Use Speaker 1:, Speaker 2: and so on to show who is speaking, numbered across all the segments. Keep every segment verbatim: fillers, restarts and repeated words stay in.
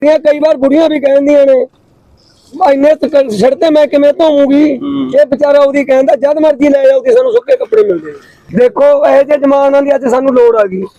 Speaker 1: कई बार बुढ़िया भी कहदियां ने इन्ने सड़ते मैं किवें धोऊंगी, ये बेचारा ओदी कहंदा जद मर्जी ले जाओ कि सानू सुक्के कपड़े मिलदे। देखो इहो जे जमाना दी अज सानू लोड़ आ गई,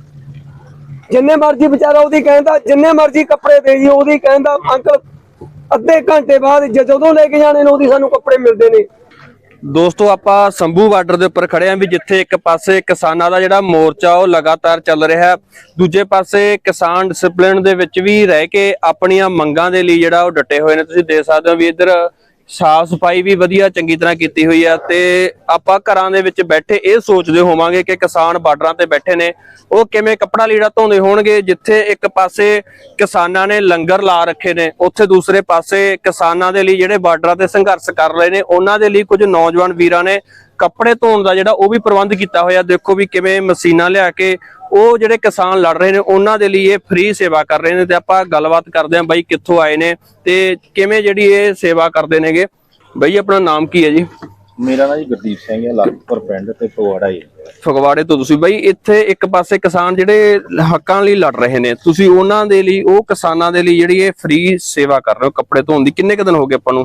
Speaker 1: जिन्ने मर्जी बेचारा ओदी कहंदा जिन्ने मर्जी कपड़े दे जी ओदी कहंदा अंकल अद्धे घंटे बाद जदों लेके जाने ने ओदी सानू कपड़े मिलदे ने।
Speaker 2: ਦੋਸਤੋ ਆਪਾਂ ਸੰਭੂ ਬਾਰਡਰ ਦੇ ਉੱਪਰ ਖੜੇ ਆਂ ਵੀ ਜਿੱਥੇ ਇੱਕ ਪਾਸੇ ਕਿਸਾਨਾਂ ਦਾ ਜਿਹੜਾ ਮੋਰਚਾ ਉਹ ਲਗਾਤਾਰ ਚੱਲ ਰਿਹਾ, ਦੂਜੇ ਪਾਸੇ ਕਿਸਾਨ ਡਿਸਪਲਿਨ ਦੇ ਵਿੱਚ ਵੀ ਰਹਿ ਕੇ ਆਪਣੀਆਂ ਮੰਗਾਂ ਦੇ ਲਈ ਜਿਹੜਾ ਉਹ ਡਟੇ ਹੋਏ ਨੇ। ਤੁਸੀਂ ਦੇਖ ਸਕਦੇ ਹੋ ਵੀ ਇੱਧਰ ਸਾਫ ਸਫਾਈ ਵੀ ਵਧੀਆ ਚੰਗੀ ਤਰ੍ਹਾਂ ਕੀਤੀ ਹੋਈ ਆ ਤੇ ਆਪਾਂ ਘਰਾਂ ਦੇ ਵਿੱਚ ਬੈਠੇ ਇਹ ਸੋਚਦੇ ਹੋਵਾਂਗੇ ਕਿ ਕਿਸਾਨ ਬਾਰਡਰਾਂ ਤੇ ਬੈਠੇ ਨੇ ਉਹ ਕਿਵੇਂ ਕੱਪੜਾ ਲੀੜਾ ਧੋਂਦੇ ਹੋਣਗੇ। ਜਿੱਥੇ ਇੱਕ ਪਾਸੇ ਕਿਸਾਨਾਂ ਨੇ ਲੰਗਰ ਲਾ ਰੱਖੇ ਨੇ, ਉੱਥੇ ਦੂਸਰੇ ਪਾਸੇ ਕਿਸਾਨਾਂ ਦੇ ਲਈ ਜਿਹੜੇ ਬਾਰਡਰਾਂ ਤੇ ਸੰਘਰਸ਼ ਕਰ ਰਹੇ ਨੇ ਉਹਨਾਂ ਦੇ ਲਈ ਕੁਝ ਨੌਜਵਾਨ ਵੀਰਾਂ ਨੇ ਕੱਪੜੇ ਧੋਣ ਦਾ ਜਿਹੜਾ ਉਹ ਵੀ ਪ੍ਰਬੰਧ ਕੀਤਾ ਹੋਇਆ। ਦੇਖੋ ਵੀ ਕਿਵੇਂ ਮਸ਼ੀਨਾਂ ਲਿਆ ਕੇ ਉਹ ਜਿਹੜੇ ਕਿਸਾਨ ਲੜ ਰਹੇ ਨੇ ਉਹਨਾਂ ਦੇ ਲਈ ਇਹ ਫ੍ਰੀ ਸੇਵਾ ਕਰ ਰਹੇ ਨੇ ਤੇ ਆਪਾਂ ਗੱਲਬਾਤ ਕਰਦੇ ਆਂ ਬਾਈ ਕਿੱਥੋਂ ਆਏ ਨੇ ਤੇ ਕਿਵੇਂ ਜਿਹੜੀ ਇਹ ਸੇਵਾ ਕਰਦੇ ਨੇਗੇ। ਬਾਈ ਆਪਣਾ ਨਾਮ ਕੀ ਹੈ ਜੀ?
Speaker 3: ਮੇਰਾ ਨਾਮ ਜੀ ਗੁਰਦੀਪ ਸਿੰਘ ਹੈ, ਲਾਲਪੁਰ ਪਿੰਡ ਤੇ ਫਗਵਾੜਾ ਹੀ।
Speaker 2: ਫਗਵਾੜੇ ਤੋਂ ਤੁਸੀਂ ਬਾਈ ਇੱਥੇ ਇੱਕ ਪਾਸੇ ਕਿਸਾਨ ਜਿਹੜੇ ਹੱਕਾਂ ਲਈ ਲੜ ਰਹੇ ਨੇ, ਤੁਸੀਂ ਉਹਨਾਂ ਦੇ ਲਈ ਉਹ ਕਿਸਾਨਾਂ ਦੇ ਲਈ ਜਿਹੜੀ ਇਹ ਫ੍ਰੀ ਸੇਵਾ ਕਰ ਰਹੇ ਹੋ ਕੱਪੜੇ ਧੋਣ ਦੀ, ਕਿੰਨੇ ਕੁ ਦਿਨ ਹੋ ਗਏ ਆਪਾਂ ਨੂੰ?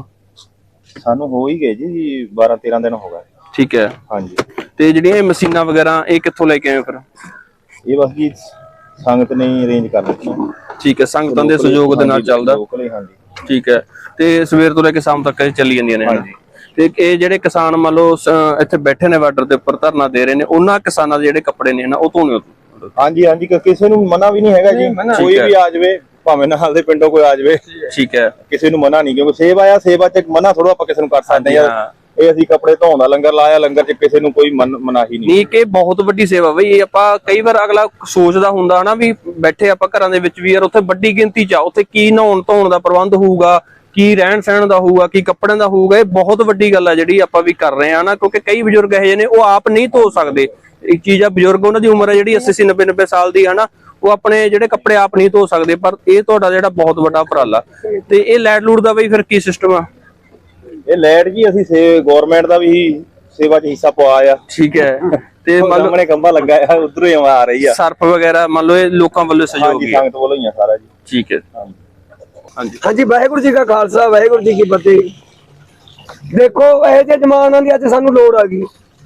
Speaker 3: ਸਾਨੂੰ ਹੋ ਹੀ ਗਏ ਜੀ ਬਾਰਾਂ ਤੇਰਾਂ ਦਿਨ ਹੋ ਗਏ।
Speaker 2: ਠੀਕ ਹੈ
Speaker 3: ਹਾਂਜੀ।
Speaker 2: ਤੇ ਜਿਹੜੀਆਂ ਇਹ ਮਸ਼ੀਨਾਂ ਵਗੈਰਾ ਇਹ ਕਿੱਥੋਂ ਲੈ ਕੇ ਆਏ ਫਿਰ?
Speaker 3: ਇਹ ਬਸ ਜੀ ਸੰਗਤ ਨੇ ਅਰੇਂਜ ਕਰ ਦਿੱਤੀਆਂ।
Speaker 2: ਠੀਕ ਹੈ, ਸੰਗਤਾਂ ਦੇ ਸਹਿਯੋਗ ਦੇ ਨਾਲ ਚੱਲਦਾ।
Speaker 3: ਹਾਂਜੀ
Speaker 2: ਠੀਕ ਹੈ, ਤੇ ਸਵੇਰ ਤੋਂ ਲੈ ਕੇ ਸ਼ਾਮ ਤੱਕ ਇਹ ਚੱਲੀ ਜਾਂਦੀਆਂ ਨੇ।
Speaker 3: ਹਾਂਜੀ।
Speaker 2: ਤੇ ਇਹ ਜਿਹੜੇ ਕਿਸਾਨ ਮੰਨ ਲਓ ਇੱਥੇ ਬੈਠੇ ਨੇ ਬਾਰਡਰ ਦੇ ਉੱਪਰ ਧਰਨਾ ਦੇ ਰਹੇ ਨੇ, ਉਹਨਾਂ ਕਿਸਾਨਾਂ ਦੇ ਜਿਹੜੇ ਕੱਪੜੇ ਨੇ ਨਾ ਉਹ ਧੋਣੇ?
Speaker 3: ਹਾਂਜੀ ਹਾਂਜੀ, ਕਿਸੇ ਨੂੰ ਮਨਾ ਵੀ ਨਹੀਂ ਹੈਗਾ ਜੀ, ਕੋਈ ਵੀ ਆ ਜਾਵੇ ਭਾਵੇਂ ਨਾਲ ਦੇ ਪਿੰਡੋਂ ਕੋਈ ਆ ਜਾਵੇ।
Speaker 2: ਠੀਕ ਹੈ,
Speaker 3: ਕਿਸੇ ਨੂੰ ਮਨਾ ਨਹੀਂ, ਕਿਉਂਕਿ ਸੇਵਾ ਆ, ਸੇਵਾ ਚ ਮਨਾ ਥੋੜਾ ਆਪਾਂ ਕਿਸੇ ਨੂੰ ਕਰ ਸਕਦੇ ਹਾਂ। ਇਹ ਅਸੀਂ ਕੱਪੜੇ ਧੋਣ ਦਾ ਲੰਗਰ ਲਾਇਆ, ਲੰਗਰ ਚ ਕਿਸੇ ਨੂੰ ਕੋਈ ਮਨਾਹੀ ਨਹੀਂ।
Speaker 2: ਨਹੀਂ ਕਿ ਬਹੁਤ ਵੱਡੀ ਸੇਵਾ ਬਈ ਇਹ। ਆਪਾਂ ਕਈ ਵਾਰ ਅਗਲਾ ਸੋਚਦਾ ਹੁੰਦਾ ਨਾ ਵੀ ਬੈਠੇ ਆਪਾਂ ਘਰਾਂ ਦੇ ਵਿੱਚ ਵੀ ਯਾਰ ਉੱਥੇ ਵੱਡੀ ਗਿਣਤੀ ਚ ਆ, ਉੱਥੇ ਕੀ ਨਹਾਉਣ ਧੋਣ ਦਾ ਪ੍ਰਬੰਧ ਹੋਊਗਾ, ਕੀ ਰਹਿਣ ਸਹਿਣ ਦਾ ਹੋਊਗਾ, ਕੀ ਕੱਪੜਿਆਂ ਦਾ ਹੋਊਗਾ। ਇਹ ਬਹੁਤ ਵੱਡੀ ਗੱਲ ਆ ਜਿਹੜੀ ਆਪਾਂ ਵੀ ਕਰ ਰਹੇ ਆ ਨਾ, ਕਿਉਂਕਿ ਕਈ ਬਜ਼ੁਰਗ ਇਹੋ ਜਿਹੇ ਨੇ ਉਹ ਆਪ ਨਹੀਂ ਧੋ ਸਕਦੇ। ਇੱਕ ਚੀਜ਼ ਆ, ਬਜ਼ੁਰਗ ਉਹਨਾਂ ਦੀ ਉਮਰ ਹੈ ਜਿਹੜੀ ਅੱਸੀ ਨੱਬੇ ਨੱਬੇ ਸਾਲ ਦੀ ਹੈ ਨਾ, ਉਹ ਆਪਣੇ ਜਿਹੜੇ ਕੱਪੜੇ ਆਪ ਨਹੀਂ ਧੋ ਸਕਦੇ। ਪਰ ਇਹ ਤੁਹਾਡਾ ਜਿਹੜਾ ਬਹੁਤ ਵੱਡਾ ਉਪਰਾਲਾ। ਤੇ ਇਹ ਲੈਟ ਲੂਟ ਦਾ ਬਈ ਫਿਰ ਕੀ ਸਿਸਟਮ ਆ?
Speaker 3: ਇਹ ਲੈਟ ਜੀ ਅਸੀਂ ਸੇ ਗਵਰਨਮੈਂਟ ਦਾ ਵੀ ਸੇਵਾ ਚ ਹਿੱਸਾ ਪਵਾਇਆ ਆ।
Speaker 2: ਠੀਕ ਹੈ, ਤੇ ਮੰਨ ਲਓ
Speaker 3: ਸਾਹਮਣੇ ਖੰਭਾ ਲੱਗਾ ਆ, ਉਧਰੋਂ ਹੀ ਆ ਰਹੀ ਆ
Speaker 2: ਸਰਫ ਵਗੈਰਾ ਮੰਨ ਲਓ ਇਹ ਲੋਕਾਂ ਵੱਲੋਂ ਸਹਿਯੋਗ
Speaker 3: ਹੀ ਸੰਗਤ ਵੱਲੋਂ ਹੀ ਆ ਸਾਰਾ ਜੀ।
Speaker 2: ਠੀਕ ਹੈ, ਹਾਂਜੀ
Speaker 1: ਹਾਂਜੀ। ਵਾਹਿਗੁਰੂ ਜੀ ਕਾ ਖਾਲਸਾ ਵਾਹਿਗੁਰੂ ਜੀ ਕੀ ਫਤਿਹ। देखो ਇਹੋ ਜਿਹੇ ਜਮਾਨਾ ਦੀ ਅੱਜ ਸਾਨੂੰ ਲੋੜ ਆ ਗਈ,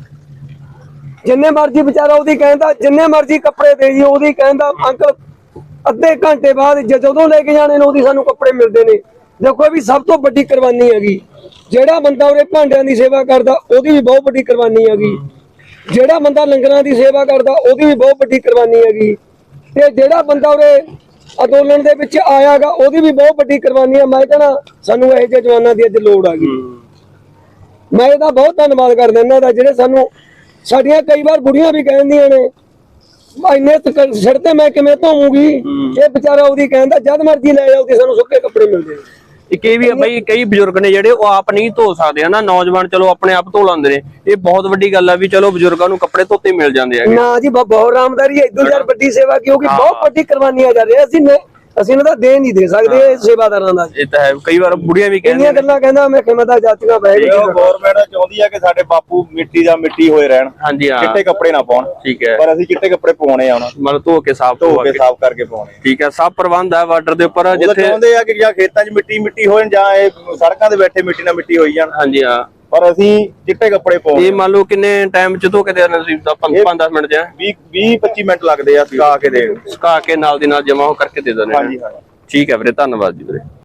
Speaker 1: ਜਿੰਨੇ ਮਰਜੀ ਵਿਚਾਰਾ ਉਹਦੀ ਕਹਿੰਦਾ ਜਿੰਨੇ ਮਰਜੀ ਕੱਪੜੇ ਦੇ ਜੀ ਉਹਦੀ ਕਹਿੰਦਾ ਅੰਕਲ ਅੱਧੇ ਘੰਟੇ ਬਾਅਦ ਜਦੋਂ ਲੈ ਕੇ ਜਾਣੇ ਨੇ ਉਹਦੀ ਸਾਨੂੰ ਕੱਪੜੇ ਮਿਲਦੇ ਨੇ। ਦੇਖੋ ਵੀ ਸਭ ਤੋਂ ਵੱਡੀ ਕੁਰਬਾਨੀ ਹੈਗੀ। ਜਿਹੜਾ ਬੰਦਾ ਉਹਦੇ ਭਾਂਡਿਆਂ ਦੀ ਸੇਵਾ ਕਰਦਾ ਉਹਦੀ ਵੀ ਬਹੁਤ ਵੱਡੀ ਕੁਰਬਾਨੀ ਹੈਗੀ। ਜਿਹੜਾ ਬੰਦਾ ਲੰਗਰਾਂ ਦੀ ਸੇਵਾ ਕਰਦਾ ਉਹਦੀ ਵੀ ਬਹੁਤ ਵੱਡੀ ਕੁਰਬਾਨੀ ਹੈਗੀ। ਤੇ ਜਿਹੜਾ ਬੰਦਾ ਉਹਦੇ ਅੰਦੋਲਨ ਦੇ ਵਿੱਚ ਆਇਆਗਾ ਉਹਦੀ ਵੀ ਬਹੁਤ ਵੱਡੀ ਕੁਰਬਾਨੀ ਹੈ। ਮੈਂ ਕਹਿੰਦਾ ਸਾਨੂੰ ਇਹੋ ਜਿਹੇ ਜਵਾਨਾਂ ਦੀ ਅੱਜ ਲੋੜ ਆ ਗਈ। ਮੈਂ ਇਹਦਾ ਬਹੁਤ ਧੰਨਵਾਦ ਕਰਦਾ ਇਹਨਾਂ ਦਾ, ਜਿਹੜੇ ਸਾਨੂੰ ਸਾਡੀਆਂ ਕਈ ਵਾਰ ਬੁੜੀਆਂ ਵੀ ਕਹਿੰਦੀਆਂ ਨੇ ਇੰਨੇ ਸੜਤੇ ਮੈਂ ਕਿਵੇਂ ਧੋਊਂਗੀ, ਇਹ ਵਿਚਾਰਾ ਉਹਦੀ ਕਹਿੰਦਾ ਜਦ ਮਰਜੀ ਲੈ ਜਾਓ ਕਿ ਸਾਨੂੰ ਸੁੱਕੇ ਕੱਪੜੇ ਮਿਲਦੇ ਨੇ।
Speaker 2: ਇੱਕ ਇਹ ਵੀ ਆ ਬਈ ਕਈ ਬਜ਼ੁਰਗ ਨੇ ਜਿਹੜੇ ਉਹ ਆਪ ਨਹੀਂ ਧੋ ਸਕਦੇ ਹਨਾ, ਨੌਜਵਾਨ ਚਲੋ ਆਪਣੇ ਆਪ ਧੋ ਲੈਂਦੇ ਨੇ। ਇਹ ਬਹੁਤ ਵੱਡੀ ਗੱਲ ਆ ਵੀ ਚਲੋ ਬਜ਼ੁਰਗਾਂ ਨੂੰ ਕੱਪੜੇ ਧੋਤੇ ਮਿਲ ਜਾਂਦੇ ਆ।
Speaker 1: ਨਾ ਜੀ ਬਹੁਤ ਆਰਾਮਦਾਰੀ ਹੈ, ਇਦੋਂ ਯਾਰ ਵੱਡੀ ਸੇਵਾ ਕਿਉਂਕਿ ਬਹੁਤ ਵੱਡੀ ਕੁਰਬਾਨੀਆਂ ਕਰ ਰਹੇ ਅਸੀਂ ਅਸੀਂ ਇਹਨਾਂ ਦਾ ਦੇ ਨਹੀਂ ਦੇ ਸਕਦੇ ਸੇਵਾਦਾਰਾਂ ਦਾ।
Speaker 2: ਇਹ ਤਾਂ ਹੈ, ਕਈ ਵਾਰ ਬੁੜੀਆਂ ਵੀ ਕਹਿੰਦੀਆਂ
Speaker 1: ਗੱਲਾਂ ਕਹਿੰਦਾ ਮੈਂ ਖਿਮਤਾ ਜਾਤੀਆਂ ਬਹਿ ਗਈ।
Speaker 3: ਗਵਰਨਮੈਂਟ ਚਾਹੁੰਦੀ ਆ ਕਿ ਸਾਡੇ ਬਾਪੂ ਮਿੱਟੀ ਦਾ ਮਿੱਟੀ ਹੋਏ ਰਹਿਣ।
Speaker 2: ਹਾਂਜੀ ਹਾਂ,
Speaker 3: ਚਿੱਟੇ ਕੱਪੜੇ ਨਾ ਪਾਉਣ।
Speaker 2: ਠੀਕ ਹੈ,
Speaker 3: ਪਰ ਅਸੀਂ ਚਿੱਟੇ ਕੱਪੜੇ ਪਾਉਣੇ ਆ ਉਹਨਾਂ ਨੂੰ,
Speaker 2: ਮਤਲਬ ਧੋ ਕੇ ਸਾਫ਼
Speaker 3: ਧੋ ਕੇ ਸਾਫ਼ ਕਰਕੇ ਪਾਉਣੇ।
Speaker 2: ਠੀਕ ਹੈ, ਸਭ ਪ੍ਰਬੰਧ ਹੈ ਬਾਰਡਰ ਦੇ ਉੱਪਰ।
Speaker 3: ਜਿੱਥੇ ਚਾਹੁੰਦੇ ਆ ਕਿ ਜਾਂ ਖੇਤਾਂ 'ਚ ਮਿੱਟੀ ਮਿੱਟੀ ਹੋਣ ਜਾਂ ਇਹ ਸੜਕਾਂ ਤੇ ਬੈਠੇ ਮਿੱਟੀ ਨਾਲ ਮਿੱਟੀ ਹੋਈ ਜਾਣ।
Speaker 2: ਹਾਂਜੀ ਹਾਂ,
Speaker 3: ਪਰ ਅਸੀਂ ਚਿੱਟੇ ਕੱਪੜੇ ਪਾਉਣੇ।
Speaker 2: ਇਹ ਮੰਨ ਲਓ ਕਿੰਨੇ ਟਾਈਮ ਚ ਧੋ ਕੇ ਦੇ ਦੇਣਾ ਸੀ? ਪੰਜ ਦਸ ਮਿੰਟ ਜਾਂ
Speaker 3: ਵੀਹ ਪੱਚੀ ਮਿੰਟ ਲੱਗਦੇ ਆ ਸੁਕਾ ਕੇ ਦੇ
Speaker 2: ਸੁਕਾ ਕੇ ਨਾਲ ਦੀ ਨਾਲ ਜਮਾ ਹੋ ਕਰਕੇ ਦੇ ਦਿੰਦੇ।
Speaker 3: ਹਾਂਜੀ ਹਾਂਜੀ,
Speaker 2: ਠੀਕ ਹੈ ਵੀਰੇ, ਧੰਨਵਾਦ ਜੀ ਵੀਰੇ।